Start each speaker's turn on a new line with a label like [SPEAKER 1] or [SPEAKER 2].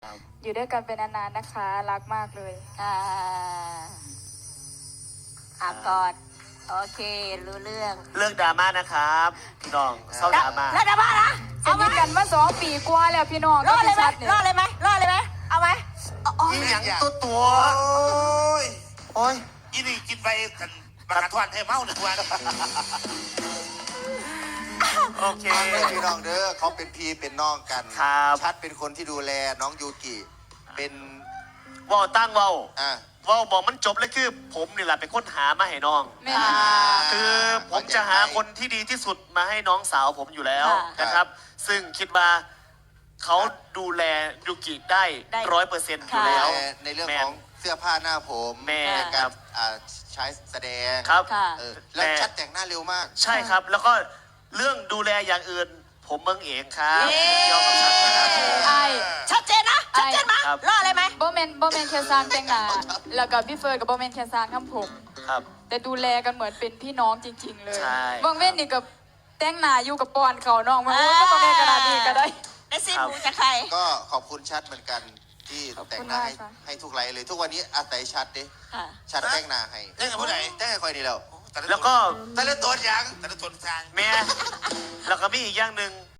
[SPEAKER 1] อยู่ด้วยกันเป็นนานๆนะคะรักมากเลย
[SPEAKER 2] กอดโอเครู้เรื่อง
[SPEAKER 3] เลิกดราม่านะครับพี่น้องเศร้าดราม่า
[SPEAKER 2] แล้วดราม่านะ
[SPEAKER 1] เจอกันมา2 ปีกว่าแล้วพี่น้อง
[SPEAKER 2] รอดเลยไหมรอดเลยไหมรอดเลยไหมเอาไหม
[SPEAKER 3] อีหยังตัว
[SPEAKER 4] โอ้ยอีนี่กินไปกันประกันทวนให้เมาหนึ่งวัน
[SPEAKER 3] โอเค
[SPEAKER 5] พี่น้องเด้อเขาเป็นพี่เป็นน้องกันชัดเป็นคนที่ดูแลน้องยูกิเป็น
[SPEAKER 3] ว่าวตั้งว่าวบอกมันจบเลยคือผมนี่แหละเป็นคนหามาให้น้องคือผมจะหาคนที่ดีที่สุดมาให้น้องสาวผมอยู่แล้วนะครับซึ่งคิดว่าเขาดูแลยูกิได้100%อยู่แล้ว
[SPEAKER 5] ในเรื่องของเสื้อผ้าหน้าผมในการใช้แสดง
[SPEAKER 3] ครับ
[SPEAKER 5] แล้วชัดแต่งหน้าเร็วมาก
[SPEAKER 3] ใช่ครับแล้วก็เรื่องดูแลอย่างอื่นผมเมืองเองครับยอมรับ
[SPEAKER 2] ชัดเจนนะชัดเจนมารอดเลยไหม
[SPEAKER 1] โบเมนแค่ซานแต่งหน้าแล้วก็พี่เฟิร์นกับโบเมนแค่ซานทำผม
[SPEAKER 3] ครับ
[SPEAKER 1] แต่ดูแลกันเหมือนเป็นพี่น้องจริงๆเลย
[SPEAKER 3] ใช่
[SPEAKER 1] บางเว้นนี่กับแต่งหน้าอยู่กับปอนเขาน้องมาก็ต้องแก้กระดาษดีก็ได้
[SPEAKER 2] ได้ซีมูจะใคร
[SPEAKER 5] ก็ขอบคุณชัดเหมือนกันที่แต่งหน้าให้ทุกไลน์เลยทุกวันนี้อาศัยชัดดิชัดแต่งหน้าให้
[SPEAKER 4] แต่งกับผู้ใด
[SPEAKER 5] แต่งให้คอยดีแล้ว
[SPEAKER 3] แล้วก็
[SPEAKER 4] แต่ละตัวอย่างแต่ละตัวทาง
[SPEAKER 3] แม่แล้วก็มีอีกอย่างหนึ่ง